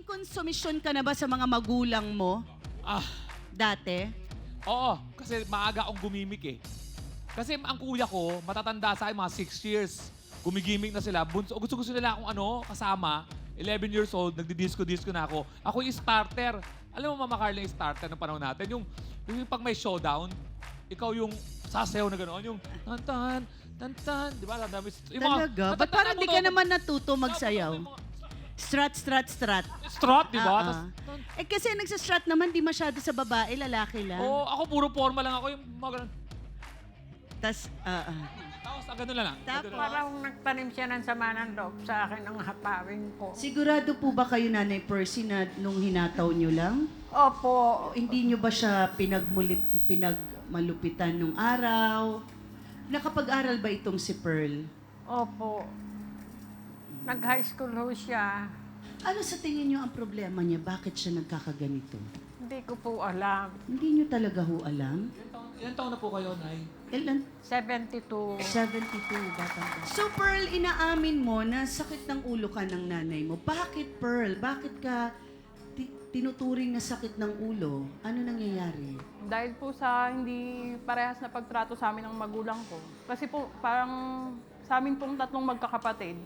konsumisyon ka na ba sa mga magulang mo Ah, dati? oo, kasi maaga akong gumimik eh. Kasi ang kuya ko, matatanda sa akin, mga 6 years. Gumigimik na sila. Gusto nila akong kasama. 11 years old, nagdi-disco-disco na ako. Ako yung starter. Alam mo, Mama Carla, yung starter ng panahon natin. Yung pag may showdown, ikaw yung sasayaw na gano'n. Yung tantan, tantan. Di ba? Talaga? Ba't parang di ka naman natuto magsayaw? Strat, strat, strat. Strut, di ba? Ah, ah. Eh kasi nagsa-strat naman, di masyado sa babae, lalaki lang. Oo, ako puro forma lang ako. Yung mga ganun. Tas, Tapos, ganun lang. Tapos? Ganun lang. Parang nagtanim siya ng sama ng loob sa akin ang hatawin ko. Sigurado po ba kayo, Nanay Percy, na nung hinataw nyo lang? Opo, O hindi nyo ba siya pinagmalupitan nung araw? Nakapag-aral ba itong si Pearl? opo. Nag-high school ho siya. Ano sa tingin nyo ang problema niya? Bakit siya nagkakaganito? Hindi ko po alam. Hindi nyo talaga ho alam? Ilan taon na po kayo, Nay? Ilan? 72. 72, batang. So Pearl, inaamin mo na sakit ng ulo ka ng nanay mo. Bakit Pearl? Bakit ka tinuturing na sakit ng ulo? Ano nangyayari? Dahil po sa hindi parehas na pagtrato sa amin ng magulang ko. Kasi po, parang sa amin pong tatlong magkakapatid,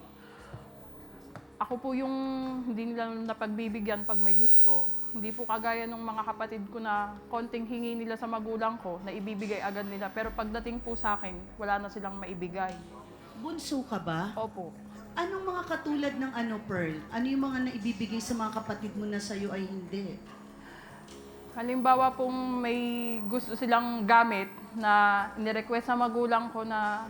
ako po yung hindi nila napagbibigyan pag may gusto. Hindi po kagaya ng mga kapatid ko na konting hingi nila sa magulang ko na ibibigay agad nila. Pero pagdating po sa akin, wala na silang maibigay. Bunso ka ba? Opo. Anong mga katulad ng Pearl? Ano yung mga naibibigay sa mga kapatid mo na sa'yo ay hindi? Halimbawa pong may gusto silang gamit na nirequest sa magulang ko na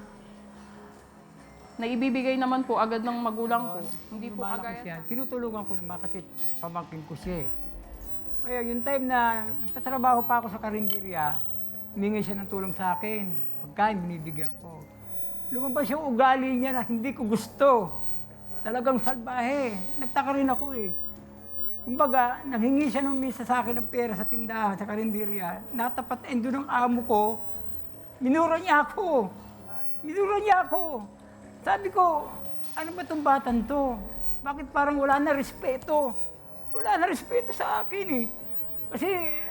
ibibigay naman po agad ng magulang ko. Hindi po Lumalaki kagaya. siya. Tinutulungan ko naman kasi pamangkin ko siya. Kaya yung time na nagtatrabaho pa ako sa karinderya, humingi siya ng tulong sa akin. Pagkain, binibigyan ko. Lumabas yung ugali niya na hindi ko gusto. Talagang salbahe. Nagtaka rin ako eh. Kumbaga, nanghingi siya ng misa sa akin ng pera sa tindahan, sa karinderya. Natapat endo ng amo ko. Minura niya ako. Minura niya ako. Sabi ko, ano ba itong batan to? Bakit parang wala na respeto? Wala na respeto sa akin eh. Kasi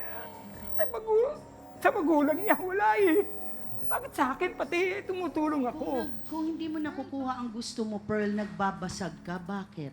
sa magulang niya, wala eh. Bakit sa akin pati tumutulong ako? Kung hindi mo nakukuha ang gusto mo, Pearl, nagbabasag ka, bakit?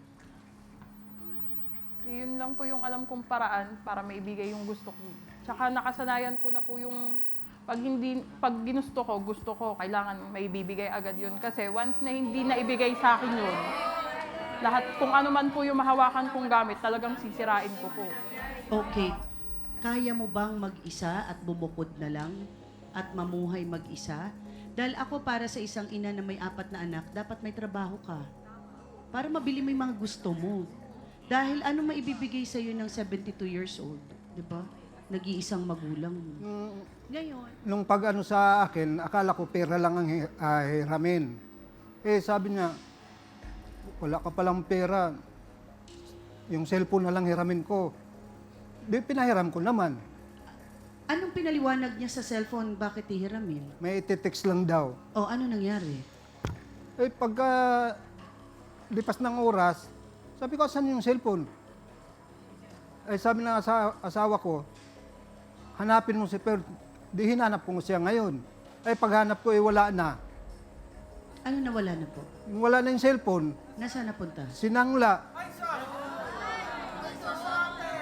Yun lang po yung alam kong paraan para maibigay yung gusto ko. Tsaka nakasanayan ko na po yung pag ginusto ko, gusto ko, kailangan maibibigay agad yun. Kasi once na hindi na ibigay sa akin yun, lahat, kung ano man po yung mahawakan kong gamit, talagang sisirain ko po. Okay. Kaya mo bang mag-isa at bumukod na lang at mamuhay mag-isa? Dahil ako para sa isang ina na may 4 na anak, dapat may trabaho ka. Para mabili mo yung mga gusto mo. Dahil ano maibibigay sa'yo ng 72 years old? Di ba? Nag-iisang magulang mo. Ngayon, Nung pag-ano sa akin, akala ko pera lang ang hiramin. Eh, sabi niya, wala ka palang pera. Yung cellphone na lang hiramin ko. Di, pinahiram ko naman. anong pinaliwanag niya sa cellphone? Bakit hihiramin? May iti-text lang daw. O ano nangyari? Eh, pagka lipas ng oras, sabi ko, saan yung cellphone? Eh, sabi ng asawa ko, hanapin mo si Per. Di hinanap ko siya ngayon. Eh, paghanap ko, wala na. Ano nawala na po? Wala na yung cellphone. Nasaan napunta? Sinangla.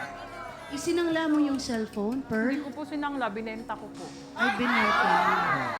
Isinangla mo yung cellphone, Pearl? Hindi ko po sinangla, binenta ko po. Ay, binenta mo.